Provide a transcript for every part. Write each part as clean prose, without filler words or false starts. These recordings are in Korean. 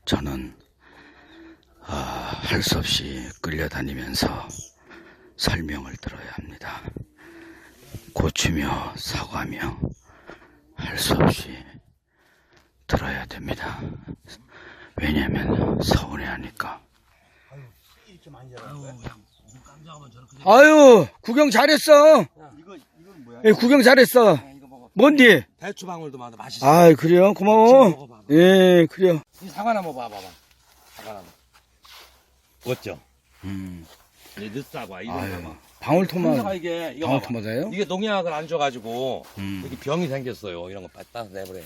저는 할 수 없이 끌려다니면서 설명을 들어야 합니다. 고추며 사과며 할 수 없이 들어야 됩니다. 왜냐면 서운해하니까. 아유, 구경 잘했어. 이건 뭐야? 예, 구경 잘했어. 뭔디? 배추방울도 많아. 맛있어. 아, 그래요? 고마워. 예, 그래요. 이 사과나무 봐봐. 사과나무. 멋져. 이 늦사과 이런 아유, 거 봐. 방울토마토. 이게 이거 방울토마토예요? 이게 농약을 안 줘가지고 이렇게 병이 생겼어요. 이런 거 따서 내버려.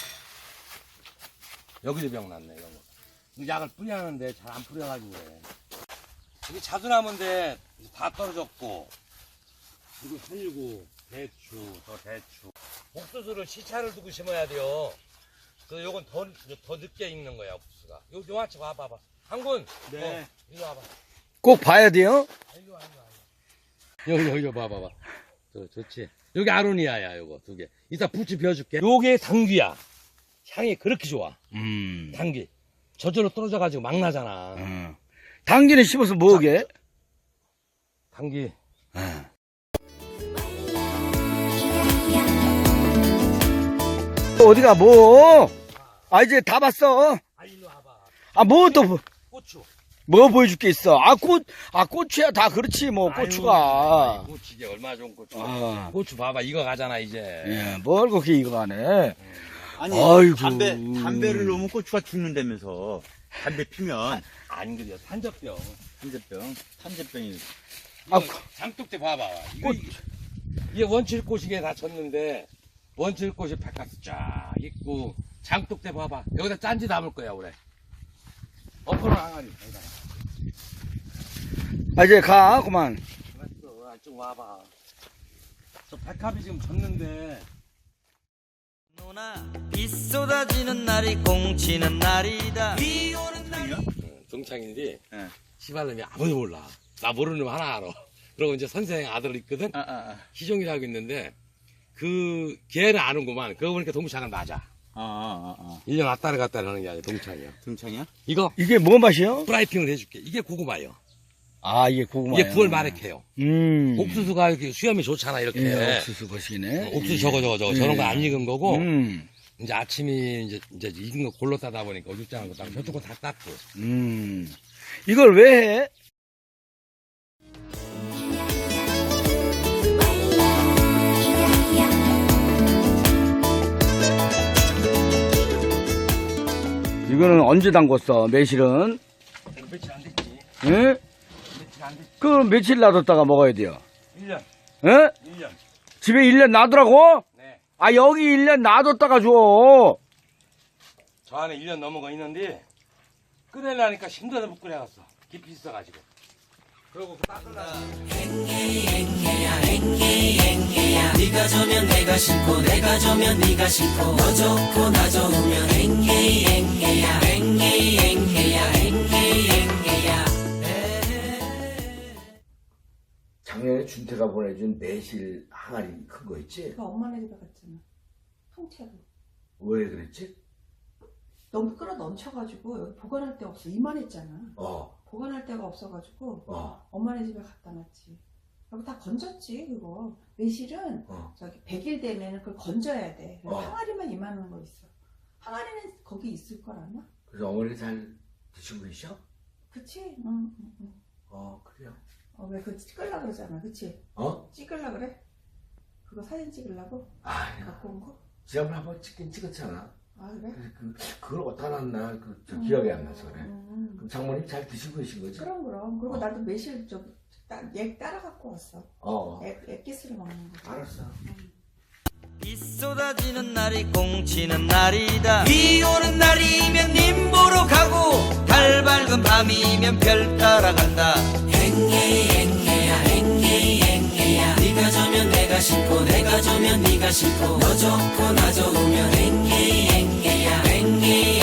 여기도 병 났네 이런 거. 이 약을 뿌리하는데 잘 안 뿌려가지고 그래. 이게 자두나무인데 다 떨어졌고 그리고 살고 대추 더 대추. 옥수수를 시차를 두고 심어야 돼요. 그래서 요건 더 늦게 익는 거야 옥수수가. 요 아치 봐봐. 한군. 네. 일로 와봐. 꼭 봐야 돼요? 일로 와. 여기 봐봐. 좋지. 여기 아로니아야 요거 두 개. 이따 부치 비워줄게. 요게 당귀야. 향이 그렇게 좋아. 당귀. 저절로 떨어져가지고 막 나잖아. 당귀는 씹어서 뭐게? 당귀. 어디가 뭐? 아, 이제 다 봤어. 일로 와봐. 아, 뭐 또, 고추. 뭐 보여줄 게 있어? 고추야 다 그렇지, 뭐, 고추가. 고추 이게 얼마나 좋은 고추. 아. 고추 봐봐. 이거 가잖아 이제. 예, 뭘 그렇게 이거 하네. 아니, 아이고. 담배를 놓으면 고추가 죽는다면서. 담배 피면. 안 그래요. 산적병. 탄저병이. 아, 장독대 봐봐. 이게 원칠꽃이게 다 졌는데 원칠꽃이 바깥에 쫙 있고 장독대 봐봐. 여기다 짠지 담을 거야 올해. 엎어놓은 항아리. 아, 이제 가, 그만. 알았어. 좀 와봐. 저 백합이 지금 졌는데. 누나 비 쏟아지는 날이 공치는 날이다. 비 오는 날. 동창인데 예. 시발놈이 아무도 몰라. 나 모르는 놈 하나 알아. 그러고 이제 선생 아들 있거든. 희종이라고 있는데 그 걔는 아는구만. 그거 보니까 동창은 맞아. 1년 왔다리 갔다리 하는 게 아니라 동창이야. 등창이야? 이거 이게 뭐 맛이요? 프라이핑을 해줄게. 이게 고구마예요. 아, 이게 고구마. 이게 9월 말에 캐요. 옥수수가 옥수수가 이렇게 수염이 좋잖아 이렇게. 예, 옥수수 것이네. 옥수수 저거 저런 거 안 익은 거고. 음. 이제 아침이 이제 익은 거 골로 따다 보니까 어죽장한 거 따고 저쪽 거다 땄고. 이걸 왜 해? 이거는 언제 담궜어, 매실은? 며칠 안 됐지. 예? 며칠 안 됐지. 그 며칠 놔뒀다가 먹어야 돼요. 1년. 예? 1년. 집에 1년 놔두라고? 네. 아, 여기 1년 놔뒀다가 줘. 저 안에 1년 넘은 거 있는데 끓여려니까 힘들어서 못 끓여갔어. 깊이 있어가지고. 그러고 닦으려고. 네가 저면 내가 싫고 내가 저면 네가 싫고 너 좋고 나 좋으면 앵해야 작년에 준태가 보내준 매실 항아리 큰 거 있지? 그 엄마네 집에 갔잖아. 통째로. 왜 그랬지? 너무 끌어 넘쳐가지고 여기 보관할 데가 없어. 이만했잖아. 어. 보관할 데가 없어가지고 어. 엄마네 집에 갖다 놨지. 여기 다 건졌지 그거. 매실은 저기 100일 되면은 그걸 건져야 돼. 그래서 항아리만 이만한 거 있어. 항아리는 거기 있을 걸 아마? 그래서 어머니 잘 드시고 계셔? 그치? 응. 그래요. 왜 그거 찍으려고 그러잖아. 그치? 찍으려고 그래? 그거 사진 찍으려고? 갖고 온 거? 지난번에 한번 찍긴 찍었잖아. 아 그래? 그걸 어디다 놨나 기억이 안 나서 그래. 그럼 장모님 잘 드시고 계신 거지? 그럼. 그리고 나도 매실 얘 따라 갖고 왔어. 액기스를 먹는 거. 알았어. 비 쏟아지는 날이 공치는 날이다. 비 오는 날이면 님 보러 가고 달 밝은 밤이면 별 따라간다. 앵해야 네가 저면 내가 싫고 내가 저면 네가 싫고 너 좋고 나 좋으면 앵해야